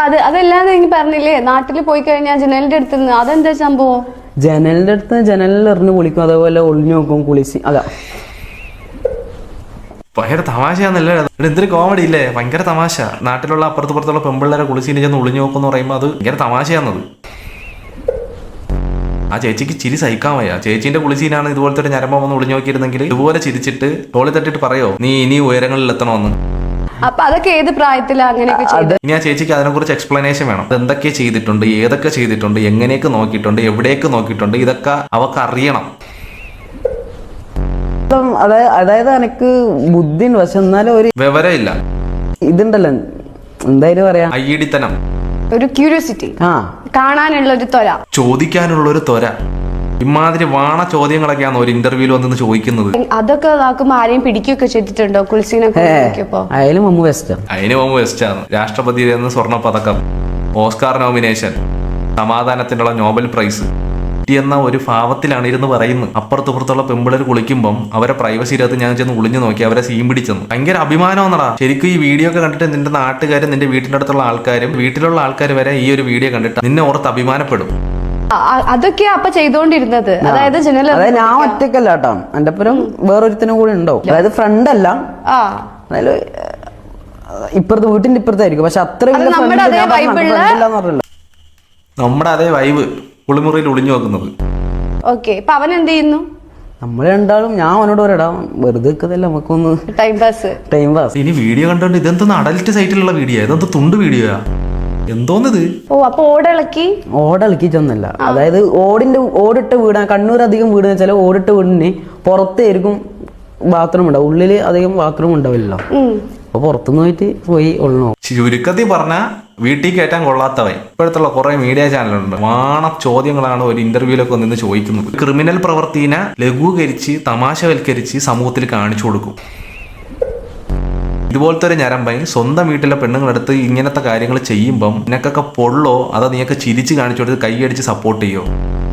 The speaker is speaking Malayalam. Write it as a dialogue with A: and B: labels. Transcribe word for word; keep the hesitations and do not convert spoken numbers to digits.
A: അത് അതല്ലാതെ എനിക്ക് പറഞ്ഞില്ലേ നാട്ടിൽ പോയി കഴിഞ്ഞാൽ ജനലിന്റെ അടുത്ത് നിന്ന് അതെന്താ സംഭവം?
B: ജനലിന്റെ അടുത്ത് ജനലിൽ എറിഞ്ഞ് കുളിക്കും, അതേപോലെ ഒളിഞ്ഞു നോക്കും കുളിച്ച്. അതാ
C: ഭയങ്കര തമാശയാന്നല്ലേ എന്തൊരു കോമഡി ഇല്ലേ? ഭയങ്കര തമാശ. നാട്ടിലുള്ള അപ്പുറത്ത് പുറത്തുള്ള പെമ്പിള്ളേരെ കുളിച്ചിന് ചെന്ന് ഒളിഞ്ഞു നോക്കുമെന്ന് പറയുമ്പോൾ അത് ഭയങ്കര തമാശയാന്നത്. ആ ചേച്ചിക്ക് ചിരി സഹിക്കാൻ വയ്യ. ചേച്ചീന്റെ കുളിസീനാണ് ഇതുപോലത്തെ ഒരു ഞരമ്പം വന്ന് ഒളിഞ്ഞു നോക്കിയിരുന്നെങ്കിൽ ഇതുപോലെ ചിരിച്ചിട്ട് തോളി തട്ടിട്ട് പറയോ നീ ഇനി ഉയരങ്ങളിൽ എത്തണമെന്ന്.
A: അപ്പൊ അതൊക്കെ ഏത് പ്രായത്തിലാ അങ്ങനെയൊക്കെ ചെയ്തത്?
C: ഇനി ആ ചേച്ചിക്ക് അതിനെക്കുറിച്ച് എക്സ്പ്ലനേഷൻ വേണം. എന്തൊക്കെ ചെയ്തിട്ടുണ്ട്, ഏതൊക്കെ ചെയ്തിട്ടുണ്ട്, എങ്ങനെയൊക്കെ നോക്കിയിട്ടുണ്ട്, എവിടെയൊക്കെ നോക്കിയിട്ടുണ്ട്, ഇതൊക്കെ അവക്ക് അറിയണം.
B: അതായത് എനിക്ക് ബുദ്ധി ഉണ്ട്, പക്ഷെ എന്നാലും ഒരു
C: വിവരമില്ല.
B: ഇതുണ്ടല്ലോ എന്തായാലും പറയാ
C: അയ്യടിത്തനം,
A: ഒരു ക്യൂരിയോസിറ്റി,
B: ആ
A: കാണാനുള്ള ഒരു ത്വര,
C: ചോദിക്കാനുള്ള ഒരു ത്വര. ഇമാതിരി വാണ ചോദ്യങ്ങളൊക്കെയാണ് ഒരു ഇന്റർവ്യൂവിൽ വന്ന് ചോദിക്കുന്നത്.
A: അതൊക്കെ നോക്കുമ്പോ ആരെയും പിടിക്കുകയൊക്കെ ചെയ്തിട്ടുണ്ടോ കുളിസീനൊക്കെ?
B: അയാലും മമ്മു ബെസ്റ്റ്.
C: അതിന് മുമ്പ് വെസ്റ്റാണ്. രാഷ്ട്രപതി സ്വർണ്ണ പതക്കം, ഓസ്കാർ നോമിനേഷൻ, സമാധാനത്തിനുള്ള നോബൽ പ്രൈസ് എന്ന ഒരു ഭാവത്തിലാണ് ഇരുന്ന് പറയുന്നത്. അപ്പുറത്തുപുറത്തുള്ള പെമ്പിളർ കുളിക്കുമ്പം അവരെ പ്രൈവസിയിലകത്ത് ഞാൻ ചെന്ന് ഒളിഞ്ഞു നോക്കി അവരെ സീൻ പിടിച്ചെന്ന്. ഭയങ്കര അഭിമാനമെന്നടാ. ശരിക്കും ഈ വീഡിയോ ഒക്കെ കണ്ടിട്ട് നിന്റെ നാട്ടുകാരും നിന്റെ വീട്ടിന്റെ അടുത്തുള്ള ആൾക്കാരും വീട്ടിലുള്ള ആൾക്കാർ വരെ ഈ ഒരു വീഡിയോ കണ്ടിട്ട് നിന്നെ ഓർത്ത് അഭിമാനപ്പെടും.
A: അതൊക്കെയാ അപ്പൊ ചെയ്തോണ്ടിരുന്നത്. അതായത് ജനൽ
B: അതായത് ഞാൻ ഒറ്റക്കല്ല കേട്ടോ, എന്റെ ഒപ്പം വേറൊരുത്തനും കൂടെ ഉണ്ടാവും. അതായത് ഫ്രണ്ട് അല്ല, അതായത് ഇപ്പുറത്ത് വീട്ടിന്റെ ഇപ്പുറത്തായിരിക്കും, പക്ഷെ അത്ര
C: നമ്മുടെ അതേ വൈബ് കുളിമുറിയിൽ ഒളിഞ്ഞു നോക്കുന്നത്.
A: ഓക്കെ, ഇപ്പൊ അവൻ എന്ത് ചെയ്യുന്നു?
B: നമ്മള് രണ്ടാളും ഞാൻ അവനോട് പറയടാ വെറുതെ നമുക്കൊന്ന്
A: ടൈം പാസ്
B: ടൈം പാസ്
C: ഇനി വീഡിയോ കണ്ടോണ്ട് ഇതെന്തൊന്ന് അഡൽറ്റ് സൈറ്റിലുള്ള വീഡിയോ, ഇതെന്ത് തുണ്ട് വീഡിയോയാ, എന്തോന്നത്?
A: ഓ അപ്പൊ ഓടിളക്കി
B: ഓടിളക്കിച്ചൊന്നല്ല. അതായത് ഓടിന്റെ ഓടിട്ട വീടാ, കണ്ണൂർ അധികം വീട് വെച്ചാൽ ഓടിട്ട വീടിന് പുറത്തായിരിക്കും ബാത്റൂം ഉണ്ടാവും, ഉള്ളില് അധികം ബാത്റൂം ഉണ്ടാവില്ലല്ലോ. അപ്പൊ പുറത്തുനിന്ന് പോയിട്ട് പോയി ഒള്ളണോ.
C: ചുരുക്കത്തിൽ പറഞ്ഞ വീട്ടിൽ കയറ്റാൻ കൊള്ളാത്തവൻ. ഇപ്പോഴത്തുള്ള കുറെ മീഡിയ ചാനലുണ്ട്, വാണ ചോദ്യങ്ങളാണ് ഒരു ഇന്റർവ്യൂലൊക്കെ നിന്ന് ചോദിക്കുന്നത്. ക്രിമിനൽ പ്രവൃത്തിനെ ലഘൂകരിച്ച് തമാശവൽക്കരിച്ച് സമൂഹത്തിൽ കാണിച്ചു കൊടുക്കും. ഇതുപോലത്തെ ഒരു ഞരമ്പൻ സ്വന്തം വീട്ടിലെ പെണ്ണുങ്ങളെടുത്ത് ഇങ്ങനത്തെ കാര്യങ്ങൾ ചെയ്യുമ്പം നിനക്കൊക്കെ പൊള്ളോ അതോ നീയൊക്കെ ചിരിച്ച് കാണിച്ചു കൊടുത്ത് കൈയടിച്ച് സപ്പോർട്ട് ചെയ്യോ?